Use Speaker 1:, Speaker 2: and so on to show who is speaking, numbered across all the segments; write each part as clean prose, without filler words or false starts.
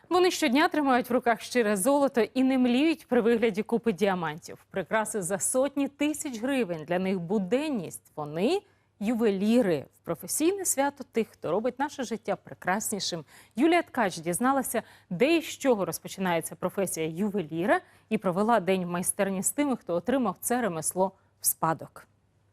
Speaker 1: Вони щодня тримають в руках щире золото і не мліють при вигляді купи діамантів. Прикраси за сотні тисяч гривень. Для них буденність. Вони – ювеліри. В професійне свято тих, хто робить наше життя прекраснішим. Юлія Ткач дізналася, де і з чого розпочинається професія ювеліра і провела день в майстерні з тими, хто отримав це ремесло в спадок.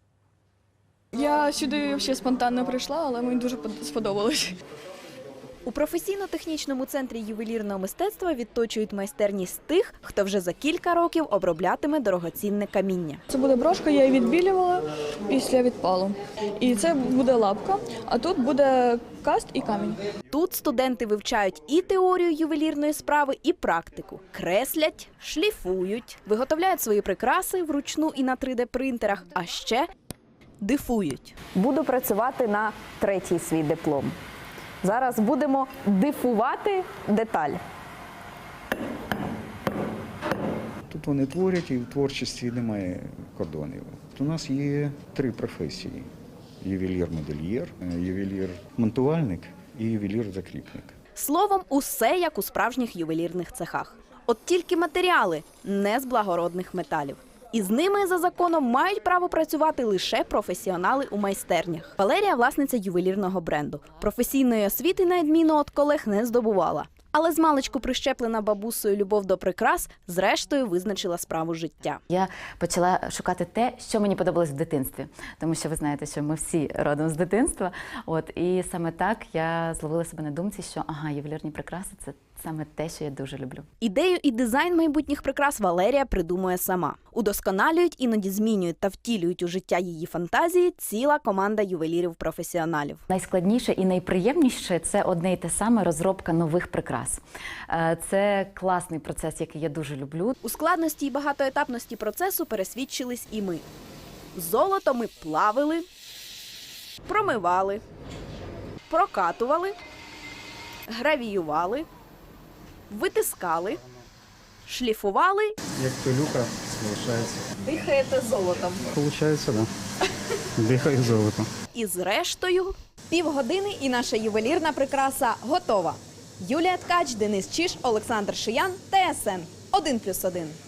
Speaker 2: Я сюди взагалі спонтанно прийшла, але мені дуже сподобалось.
Speaker 3: У професійно-технічному центрі ювелірного мистецтва відточують майстерність тих, хто вже за кілька років оброблятиме дорогоцінне каміння.
Speaker 2: Це буде брошка, я її відбілювала після відпалу. І це буде лапка, а тут буде каст і камінь.
Speaker 3: Тут студенти вивчають і теорію ювелірної справи, і практику. Креслять, шліфують, виготовляють свої прикраси вручну і на 3D-принтерах, а ще дифують.
Speaker 4: Буду працювати на третій свій диплом. Зараз будемо дифувати деталь.
Speaker 5: Тут вони творять, і в творчості немає кордонів. У нас є 3 професії: ювелір-модельєр, ювелір-монтувальник і ювелір-закріпник.
Speaker 3: Словом, усе як у справжніх ювелірних цехах. От тільки матеріали не з благородних металів. І з ними, за законом, мають право працювати лише професіонали у майстернях. Валерія – власниця ювелірного бренду. Професійної освіти, на відміну від колег, не здобувала. Але змалечку прищеплена бабусею любов до прикрас, зрештою визначила справу життя.
Speaker 6: Я почала шукати те, що мені подобалось в дитинстві. Тому що ви знаєте, що ми всі родом з дитинства. І саме так я зловила себе на думці, що ювелірні прикраси – це саме те, що я дуже люблю.
Speaker 3: Ідею і дизайн майбутніх прикрас Валерія придумує сама. Удосконалюють, іноді змінюють та втілюють у життя її фантазії ціла команда ювелірів-професіоналів.
Speaker 6: Найскладніше і найприємніше – це одне і те саме – розробка нових прикрас. Це класний процес, який я дуже люблю.
Speaker 3: У складності і багатоетапності процесу пересвідчились і ми. Золото ми плавили, промивали, прокатували, гравіювали, витискали, шліфували.
Speaker 5: Як пилюка, залишається.
Speaker 3: Дихаєте золотом.
Speaker 5: Получається, так. Дихає золото.
Speaker 3: І зрештою...
Speaker 7: Півгодини і наша ювелірна прикраса готова. Юлія Ткач, Денис Чиж, Олександр Шиян, ТСН 1+1.